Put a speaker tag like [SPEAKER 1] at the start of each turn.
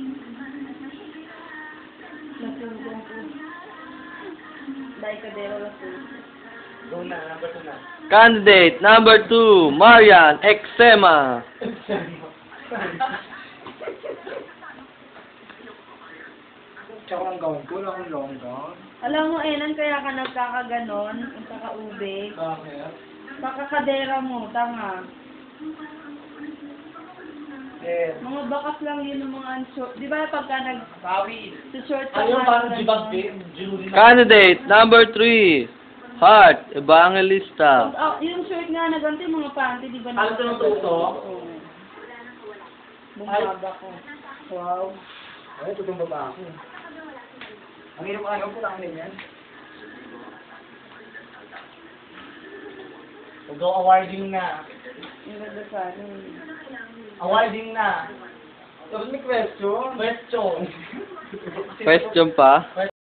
[SPEAKER 1] Nasugong po. Dahil kadero lasug.
[SPEAKER 2] Tuna, number 2 na.
[SPEAKER 3] Candidate number 2, Marian Exema.
[SPEAKER 2] Tsaka ang gown ko, lang ang long gown.
[SPEAKER 1] Alam mo, Enan, kaya ka nagkakaganon, ang kakaube.
[SPEAKER 2] Bakit?
[SPEAKER 1] Kakakadera mo, tanga.
[SPEAKER 2] Eh,
[SPEAKER 1] Mga bakas lang yun ng mga short. Di ba pagka
[SPEAKER 2] Bawi.
[SPEAKER 1] short ka
[SPEAKER 2] Ayaw
[SPEAKER 1] nga,
[SPEAKER 2] parang
[SPEAKER 1] ganon.
[SPEAKER 2] jibag din. Jewelry na.
[SPEAKER 3] Candidate number 3, Heart Evangelista.
[SPEAKER 1] Yung short nga na ganito, yung mga panty, di ba?
[SPEAKER 2] Ano tinututo?
[SPEAKER 1] Oo. Bumaba ko. Wow.
[SPEAKER 2] Ay, tutong baba ako. Ang hirap ayaw ko lang din yan. Go awarding na.
[SPEAKER 1] Yung ganda sa ano.
[SPEAKER 2] Awarding na. Tapos may question. Question.
[SPEAKER 3] Question pa?